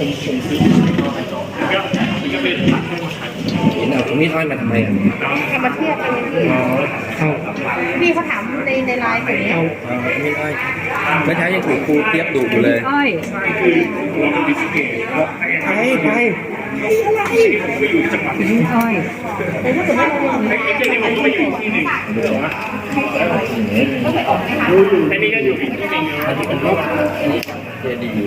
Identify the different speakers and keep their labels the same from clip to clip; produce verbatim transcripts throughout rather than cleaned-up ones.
Speaker 1: ผมผมซื้อก็ก็เป็นผักให้มาขาย
Speaker 2: เห็นเอาตรงนี้ทอดมาทำไมอ่ะ
Speaker 3: เอามาเทียบกันเลยพี่
Speaker 2: อ๋อเอา
Speaker 3: พี่เขาถามในในไลน์ผมเนี่ย
Speaker 2: เอาเอาไม่อ้อยเมื่อเช้ายังถูกครูเทียบดุอยู่เลย
Speaker 4: อ้อย
Speaker 1: คือเราเป็นดิสเพย์
Speaker 2: ไปไป
Speaker 1: ไปอยู่จังหวัดนี้
Speaker 4: อ้อย
Speaker 1: ไอ้เจ้านี่ผมก็ไปอยู่ที่หนึ่งแต่นี่ก็อยู่อีกที่หนึ่ง
Speaker 2: อันนี้เป็นรูปเจดีย์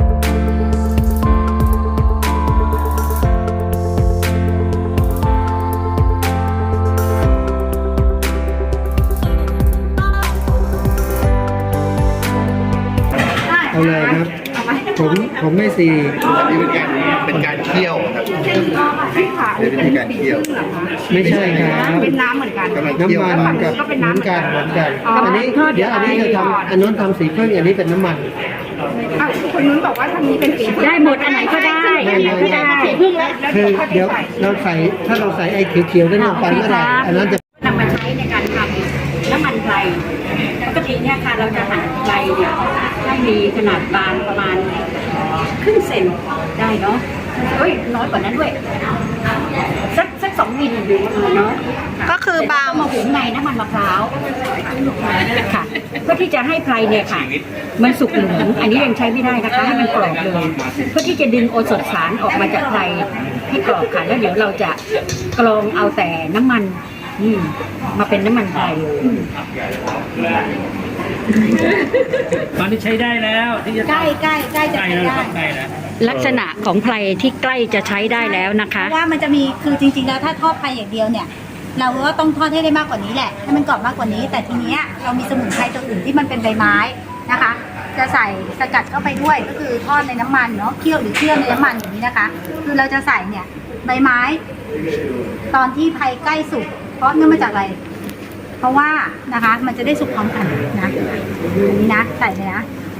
Speaker 5: เอาเลยครับ ผมผมไม่ซี
Speaker 2: นี่เป็นการเป็นการเคี่ยวครับเป็นวิธีการเคี่ยว
Speaker 5: ไม่ใช่ครับ
Speaker 3: เป็นน้ำเหมือนกัน
Speaker 2: กำลังเคี่ยว
Speaker 5: น้ำมันกับเหมือนกันเหมือนกัน อันนี้เดี๋ยวอันนี้จะทำอันนู้นทำสีพึ่งอันนี้เป็นน้ำมัน
Speaker 3: อ่ะคนนู้นบอกว่าทางนี้เป็นสี
Speaker 4: ได้หมดอันไหนก็ได้อันไหนก็ได้
Speaker 3: สีพึ่งแล้วแล้ว
Speaker 5: คือ
Speaker 3: เขา
Speaker 5: เดี๋ยว
Speaker 3: ใส่
Speaker 5: เราใส่ถ้าเราใส่ไอ้เขียวๆนั่นลงไปเมื่อไหร่อันนั้นจะ
Speaker 4: นำมาใช้ในการทำน้ำมันไพรปกติเนี่ยค่ะเราจะหั่นไพรเนี่ยให้มีขนาดบางประมาณครึ่งเซนได้เนาะเอ้ยน้อยกว่านั้นด้วยสักสักสองมิลอยู่ประมาณเนาะ
Speaker 3: ก็คือบาง
Speaker 4: เอามาหุงในน้ำมันมะพร้าวค่ะเพื่อที่จะให้ไพรเนี่ยค่ะมันสุกเหลืองอันนี้ยังใช้ไม่ได้นะคะให้มันกรอบเลยเพื่อที่จะดึงโอสถสารออกมาจากไพรให้กรอบค่ะแล้วเดี๋ยวเราจะกรองเอาแต่น้ำมันอืมมาเป็นน้ำมันไพรเลย
Speaker 1: ตอนนี้ใช้ได้แล้วที่จะ
Speaker 3: ใกล้ใกล้ใกล้จะ
Speaker 1: ใกล้
Speaker 3: ใช้
Speaker 1: แล้ว
Speaker 3: ได้
Speaker 1: ครับใกล้แล้ว
Speaker 4: ลักษณะของไพรที่ใกล้จะใช้ได้แล้วนะคะ
Speaker 3: เพราะว่ามันจะมีคือจริงๆแล้วถ้าทอดไพรอย่างเดียวเนี่ย เราก็ต้องทอดให้ได้มากกว่านี้แหละให้มันกรอบมากกว่านี้ แต่ทีเนี้ยเรามีสมุนไพรตัวอื่นที่มันเป็นใบไม้นะคะ จะใส่สกัดเข้าไปด้วยก็คือทอดในน้ำมันเนาะเคี่ยวหรือเคี่ยวในน้ำมันอย่างนี้นะคะ คือเราจะใส่เนี่ยใบไม้ ตอนที่ไพรใกล้สุกเพราะเนื่องมาจากอะไร เพราะว่านะคะมันจะได้สุกพร้อมกันนะอันนี้นะใส่เลยนะ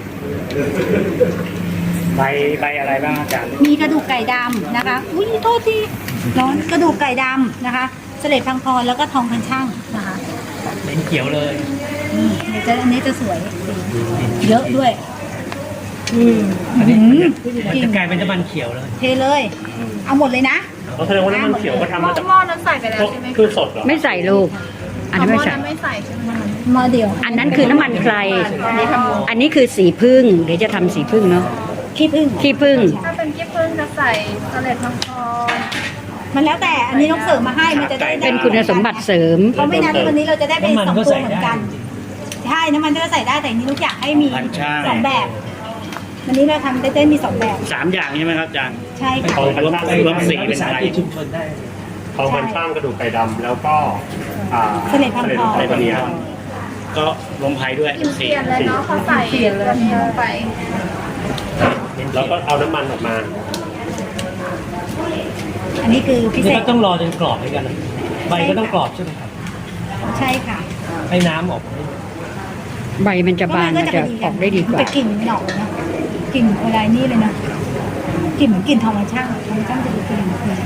Speaker 1: ใบใบอะไรบ้างอาจารย์
Speaker 3: มีกระดูกไก่ดำนะคะ อุ้ยโทษทีร้อนกระดูกไก่ดำนะคะ เสล็ดพังพรแล้วก็ทองพันช่างนะคะ
Speaker 1: เป็นเขียวเลย
Speaker 3: นี่เดี๋ยวจะอันนี้จะสวยเยอะด้วย อืม
Speaker 1: อันนี้
Speaker 3: หืม
Speaker 1: มันจะกลายเป็นน้ำมันเขียวเลย
Speaker 3: เทเลย เอาหมดเลยนะ
Speaker 1: เขาแสดงว่าน้ำมันเขียวก็ทำมาจาก
Speaker 3: หม้อนั้นใส่ไปแล้วใช่ไหม
Speaker 1: คือสดเหรอ
Speaker 4: ไม่ใส่ลูก อันนี้ไม่ใส่
Speaker 3: ไม่ใส่ใช่ไหมหม้อเดียว
Speaker 4: อันนั้นคือน้ำมันไพร
Speaker 3: อันนี้ทำ
Speaker 4: อันนี้คือสีพึ่งเดี๋ยวจะทำสีพึ่งเนาะ
Speaker 3: ขี้ผึ้ง
Speaker 4: ขี้พึ่ง
Speaker 3: ถ้าเป็นขี้ผึ้งจะใส่เสล็ดพังพรมันแล้วแต่อันนี้ต้องเสริมมาให้มันจะได้
Speaker 4: เป็นคุณสมบัติเสริม
Speaker 3: เพราะไม่งั้นวันนี้เราจะได้เป็นสองตัวเหมือนกันใช่น้ำมันก็ใส่ได้แต่อันนี้ลูกอยากให้มีสองแบบวันนี้เราทำได้ได้มีสองแบบ
Speaker 1: สามอย่างใช่ไหมครับอาจารย์
Speaker 3: ใช่ค่ะ
Speaker 1: ทองพันช่างรวมสีเป็นไทยชุมชนได้ทองพันช่างกระดูกไก่ดำแล้วก็อ่า
Speaker 3: เสล็ดพังพร
Speaker 1: เสล็ดพังพรก็ลมไพด้วยสี
Speaker 3: เปลี่ยนเลยเนาะเขาใส่ตัวนี้ลงไป
Speaker 1: แล้วก็เอาน้ำมันออกมา
Speaker 3: อันนี้คือพิเศ
Speaker 6: นี่
Speaker 3: ษ
Speaker 6: ก็ต้องรอจนกรอบเหมือนกันนะใบก็ต้องกรอบใช่ไหมครับ
Speaker 3: ใช่ค่ะ
Speaker 6: ให้น้ำออก
Speaker 4: ใบมันจะบานมันจะออกได้ดีกว่า
Speaker 3: แต่กลิ่นหนอกนะกลิ่นอะไรนี่เลยนะกลิ่นเหมือนกลิ่นทองช่างทองช่างจะดูกลิ่นเลย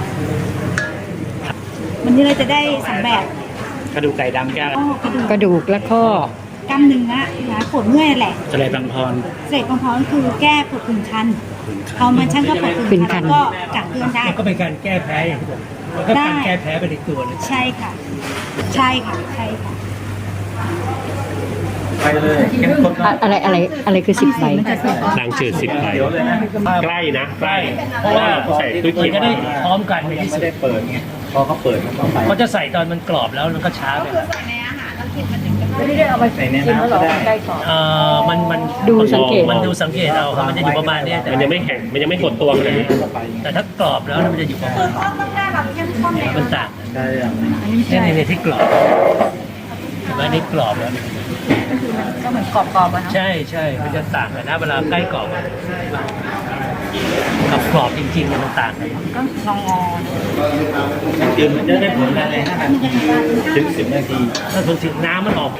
Speaker 3: วันนี้เราจะได้สองแบบ
Speaker 1: กระดูกไก่ดำแก้ว
Speaker 3: อ้อกระดูก
Speaker 4: กระดูกและข้อก
Speaker 3: ล้ามเนื้อนะปวดเมื่อยแหละ
Speaker 1: เสลดบางพร
Speaker 3: เสกของพรคือแก้ปวดผื่นคันทองมันช่างก็ปวดผื่นคันแล้วก็กัดเกลือนได้
Speaker 6: แล้วก็เป็นการแก้แพ้อย่างที่บอกแล้วก็การแก้แพ้ไปในตัวเลย
Speaker 3: ใช่ค่ะ ใช่ค่ะใช่ค่ะ
Speaker 2: ไปเลยเข้มข้น
Speaker 4: อะอะไรอะไรอะไรคือสิบใบ
Speaker 1: นางจืดสิบใบใกล้นะใกล้
Speaker 6: เพราะว่า
Speaker 1: ใส่ตุ้ย
Speaker 6: มัน
Speaker 1: เขียว
Speaker 6: จะได้พร้อมกันในที่สุ
Speaker 2: ไม่
Speaker 6: ด
Speaker 2: ได้เปิดไงพอเขาเปิดมันก็ไป
Speaker 6: เขาจะใส่ตอนมันกรอบแล้วมันก็ช้าไป
Speaker 4: ไม่ได้เอาไป
Speaker 2: ใส่ในน้ำก็ได้
Speaker 6: เอ่อมันมัน
Speaker 4: ดูสังเกต
Speaker 6: มันดูสังเกตเอาครับมันจะอยู่ประมาณเนี้ยแต่
Speaker 1: มันยังไม่แข็งมันยังไม่กดตัวขนาดนี้
Speaker 6: แต่ถ้ากรอบแล้วมันจะอยู่ประมาณ
Speaker 3: ต้องได้แบบเข้มข้นเลย
Speaker 6: มันต่าง
Speaker 2: ใช่ยัง
Speaker 6: แค่ในที่กรอบเห็นไหมนี่กรอบแล้ว
Speaker 3: ก็เหมือนกรอบๆอะเนาะ
Speaker 6: ใช่ใช่มันจะต่างกันนะเวลาใกล้กรอบกับกรอบจริงๆเนี่ยมันต่างกัน
Speaker 3: ก็ลองงอ
Speaker 2: คือมันจะได้ผลอะไรห้าถึงสิบนาที
Speaker 6: ถ้าถึงถึงน้ำมันออก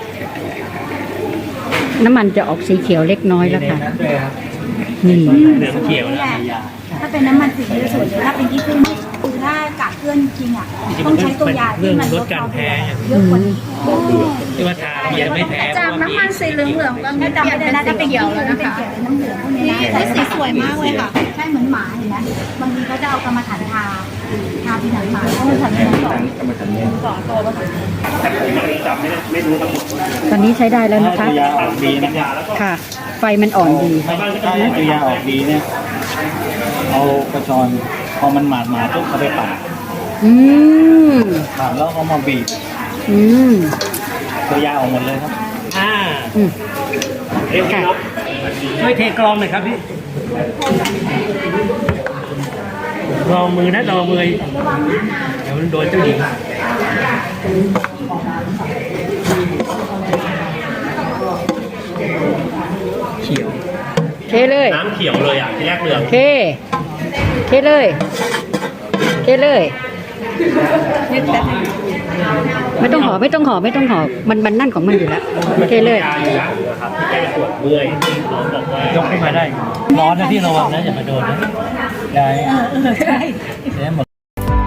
Speaker 4: น้ำมันจะออกสีเขียวเล็กน้อยแล้วค่ะ
Speaker 2: ด้วยครับ
Speaker 4: นี่
Speaker 6: เหลืองเขียวแล้ว
Speaker 3: ถ้าเป็นน้ำมันสีจะสวยเลยถ้าเป็นที่พึ่งคือถ้ากากเกลื่อนจริงๆอ่ะต้องใช้ตัวยาที่มันลดความเผ็ดเยอะกว่านี้
Speaker 6: ที่ว่าทาแล้วมันจะไม่แพ้
Speaker 7: จากน้ำมันสีเหลืองๆก็
Speaker 3: ถ้า
Speaker 7: เป
Speaker 3: จำ
Speaker 7: ลี่ย
Speaker 3: ไม่
Speaker 7: น
Speaker 3: ได้
Speaker 7: เป็น
Speaker 3: น่าจะ
Speaker 7: สี
Speaker 3: เป็น
Speaker 7: เขียวแล้วนะคะ
Speaker 3: เป็นเขียวน้ำเหลืองพวกนี้นะ
Speaker 7: แต่สีสวยมากเลยค่ะ
Speaker 3: ใช่เหมือนหมาเห็นไหมบางทีเขาจะเอากรรมฐานทาทาที่หนังหมาเพราะมันทำให้มันก่อนก่อนโตแล้ว
Speaker 1: แต่ผมไม่จับไม่ได้ไม่รู้ทั้งหมด
Speaker 4: ตอนนี้ใช้ได้แล้วนะคะ
Speaker 6: ตัวยาออกดีนะครับ
Speaker 4: ค่ะ ไฟมันอ่อนดี
Speaker 6: ถ้าตัวยาออกดีเนี่ย เอากระชอนพอมันหมาดหมาดปุ๊บเอาไปปั่น
Speaker 4: อืม
Speaker 6: ปั่นแล้วเอามาบีบ
Speaker 4: อืม
Speaker 6: ตัวยาออกหมดเลยครับ อ่า
Speaker 4: อืม
Speaker 1: เรียกว่า
Speaker 6: ช่วยเทกรองหน่อยครับพี่รองมือนะรองมือเดี๋ยวมันโดนเจ้าหญิงเขียว
Speaker 4: เทเลย
Speaker 1: น้ำเขียวเลยอ่ะที่แรกเหลือง
Speaker 4: เท เทเลย เทเลย ไม่ต้องหอไม่ต้องหอไม่ต้องหอมันมันนั่นของมันอยู่แล้ว เทเลย
Speaker 1: ยาอยู่อย่างหนึงนะครับที่แก้ปวดเมื่อยหมอบอกว่าย
Speaker 6: กขึ้นมาได้ ร้อนนะพี่ระวังนะอย่ามาโดนนะยายเดี๋ยวหมด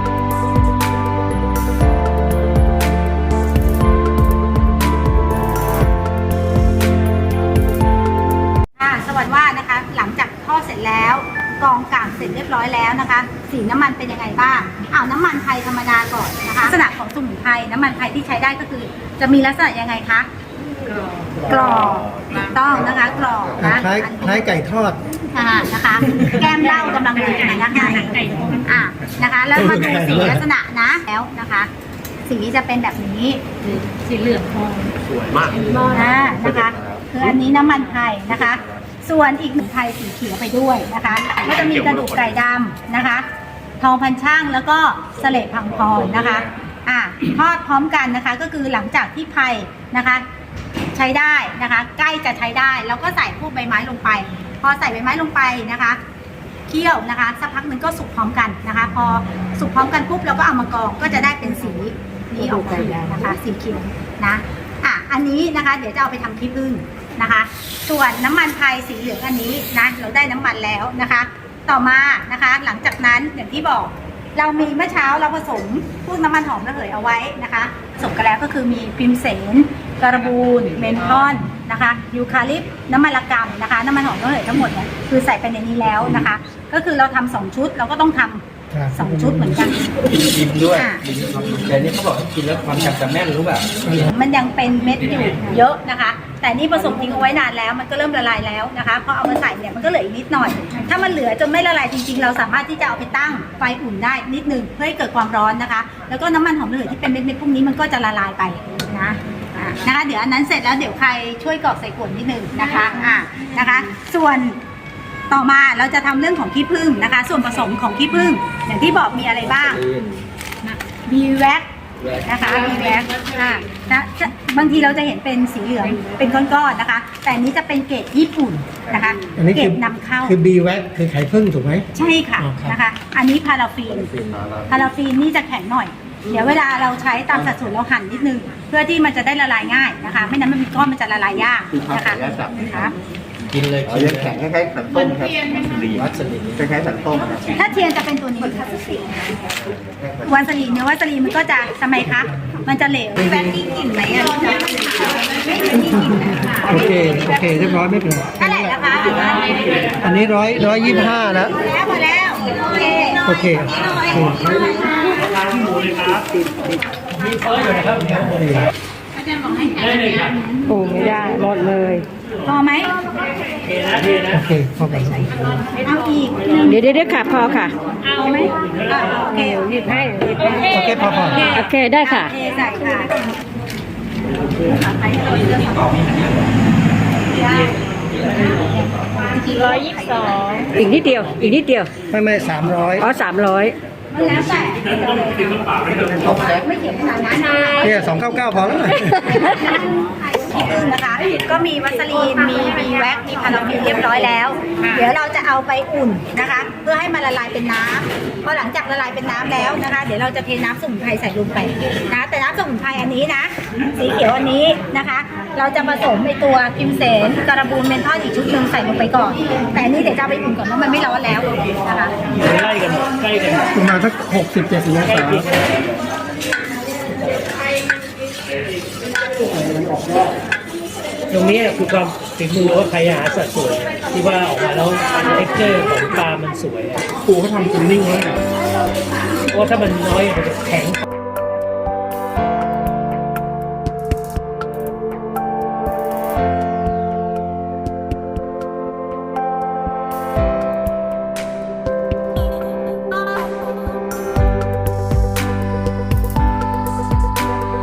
Speaker 3: ค่ะสวัสดีว่านะคะ หลังจากทอดเสร็จแล้วกรองกากเสร็จเรียบร้อยแล้วนะคะ สีน้ำมันเป็นยังไงบ้างอ้าวน้ำมันไทยธรรมดาก่อนนะคะลักษณะของสมุนไพรน้ำมันไทยที่ใช้ได้ก็คือ จะมีลักษณะยังไงคะกรอบถูกต้องนะคะกรอบนะ
Speaker 5: คล้ายคล้ายไก่ทอด
Speaker 3: อ่านะคะ แก้มเหล้ากำลังดีนะคะอ่านะคะ แล้วมาดูสีลักษณะนะแล้วนะคะ สีจะเป็นแบบนี้
Speaker 7: สีเหลืองทอง
Speaker 1: สวยมาก
Speaker 3: อ่านะคะ คืออันนี้น้ำมันไทยนะคะ ส่วนอีกหนึ่งไทยสีเขียวไปด้วยนะคะก็จะมีกระดูกไก่ดำนะคะ ทองพันช่างแล้วก็เสลดพังพรนะคะอ่าทอดพร้อมกันนะคะ ก็คือหลังจากที่ไผ่นะคะ ใช้ได้นะคะ ใกล้จะใช้ได้แล้วก็ใส่พวกใบไม้ลงไป พอใส่ใบไม้ลงไปนะคะเคี่ยวนะคะสักพักหนึ่งก็สุกพร้อมกันนะคะ พอสุกพร้อมกันปุ๊บเราก็เอามากรองก็จะได้เป็นสีนี้ออกมานะคะสีเขียวนะอ่ะอันนี้นะคะ เดี๋ยวจะเอาไปทำขี้ผึ้งนะคะ ส่วนน้ำมันไทยสีเหลืองอันนี้นะเราได้น้ำมันแล้วนะคะ ต่อมานะคะ หลังจากนั้นอย่างที่บอก เรามีเมื่อเช้าเราผสมพวกน้ำมันหอมระเหยเอาไว้นะคะผสมกันแล้วก็คือมีพิมเสนการบูนเมนทอนนะคะยูคาลิปต์น้ำมันละกำนะคะน้ำมันหอมระเหยทั้งหมดเนี่ยคือใส่ไปในนี้แล้วนะคะ ก็คือเราทำสองชุดเราก็ต้องทำสองชุดเหมือนกัน
Speaker 6: กินด้วย
Speaker 3: อ่ะ
Speaker 6: แต่นี่เขาบอกให้กินแล้วความจำจะแม่นรู้แบบ
Speaker 3: มันยังเป็นเม็ดอยู่เยอะนะคะ แต่นี่ผสมทิ้งเอาไว้นานแล้วมันก็เริ่มละลายแล้วนะคะพอเอามาใส่เนี่ยมันก็เหลืออีกนิดหน่อย ถ้ามันเหลือจนไม่ละลายจริงๆ เราสามารถที่จะเอาไปตั้งไฟอุ่นได้นิดนึงเพื่อให้เกิดความร้อนนะคะ แล้วก็น้ำมันหอมระเหยที่เป็นเม็ดๆพวกนี้มันก็จะละลายไปนะอ่ะนะคะ เดี๋ยวอันนั้นเสร็จแล้วเดี๋ยวใครช่วยกรอกใส่ขวดนิดนึงนะคะอ่ะนะคะ ส่วนต่อมาเราจะทำเรื่องของขี้ผึ้งนะคะ ส่วนผสมของขี้ผึ้งอย่างที่บอกมีอะไรบ้างมีแว็ก นะคะมีแว็กอ่านะบางทีเราจะเห็นเป็นสีเหลืองเป็นก้อนๆนะคะ แต่อันนี้จะเป็นเกรดญี่ปุ่นนะคะ
Speaker 5: อันนี้
Speaker 3: เกร
Speaker 5: คือ
Speaker 3: ดนำเข้า
Speaker 5: คือบีแว็กคือไข่ผึ้งถูกไหม
Speaker 3: ใช่ค่ะ
Speaker 5: อ๋อครับ
Speaker 3: นะคะ อันนี้พาราฟีนพาราฟีนนี่จะแข็งหน่อย เดี๋ยวเวลาเราใช้ตามสัดส่วนเราหั่นนิดนึง เพื่อที่มันจะได้ละลายง่ายนะคะ ไม่นั้นมันมีก้อนมันจะละลายยากนะคะนะคะ
Speaker 6: กินเลย
Speaker 2: เอาจะแข็งคล้ายๆสันต้มครับคล้ายๆสันต้มครับ
Speaker 3: ถ้าเทียนจะเป็นตัวนี้วันสลีนเนื้อวันสลีนมันก็จะทำไมคะมันจะเหลวแว็กกิ้งกลิ่นไหมอ่ะไม่มีกลิ่นนะคะ
Speaker 5: โอเคโอเคเรียบร้อยไม่เป็นไร
Speaker 3: เท่าไหร่นะคะ
Speaker 5: อันนี้ร้อยร้อยยี่สิบห้าแล้ว
Speaker 3: แล้วหมดแล้ว โอเค
Speaker 5: โอเคโอเค
Speaker 1: ทานที่หมูเลยครับ
Speaker 6: มีเฟอร์อยู่นะครับ ได้เลยครับ
Speaker 4: โอ้ไม่ได้หมดเลย
Speaker 3: พอไหม
Speaker 6: เทนะเทนะ
Speaker 5: โอเคพอกัน
Speaker 3: เอาอีก
Speaker 4: เดี๋ยวเดี๋ยวเดี๋ยวค่ะพอค่ะ
Speaker 3: เอาไหมอ่ะโอเคหยิบให้หยิบให้
Speaker 5: โอเคพอพอ
Speaker 4: โอเคได้ค่ะ
Speaker 3: เทใส่ค่ะร้อยยี่สิบสอง
Speaker 4: อีกนิดเดียว อีกนิดเดียว
Speaker 5: ไม่ไม่สามร้อย
Speaker 4: อ๋อสามร้อย
Speaker 3: มันแล้วแต่ไม่เขียนขนาดนั้นนะ
Speaker 5: เนี่ยสองเก้าเก้าพอแล้ว
Speaker 3: ขี้ผึ้งนะคะ ก็มีวัสลีนมีมีแว็กมีพาราฟินเรียบร้อยแล้ว เดี๋ยวเราจะเอาไปอุ่นนะคะ เพื่อให้มันละลายเป็นน้ำพอหลังจากละลายเป็นน้ำแล้วนะคะ เดี๋ยวเราจะเทน้ำสมุนไพรใส่ลงไปนะแต่น้ำสมุนไพรอันนี้นะ สีเขียวอันนี้นะคะ เราจะผสมในตัวกิมเสนการบูนเมนทอลอีกชุดหนึ่งใส่ลงไปก่อน แต่อันนี้เดี๋ยวจะเอาไปอุ่นก่อนเพราะมันไม่ร้อนแล้วนะคะ
Speaker 1: ใกล้กันใกล้กัน
Speaker 5: ประมาณสักหกสิบเจ็ดสิบองศา
Speaker 1: ตรงนี้คือความฝีมือว่าใครหาสัดส่วนที่ว่าออกมาแล้วเท็กเจอร์ของปลามันสวยอะ
Speaker 5: ครูเขาทำจูนนิ่งไว้
Speaker 1: เพราะว่าถ้ามันน้อยมันจะแข็ง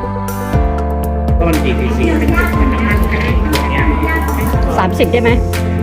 Speaker 6: ก็มันกี่ซีซี
Speaker 4: สามสิบได้ไหม
Speaker 1: ไ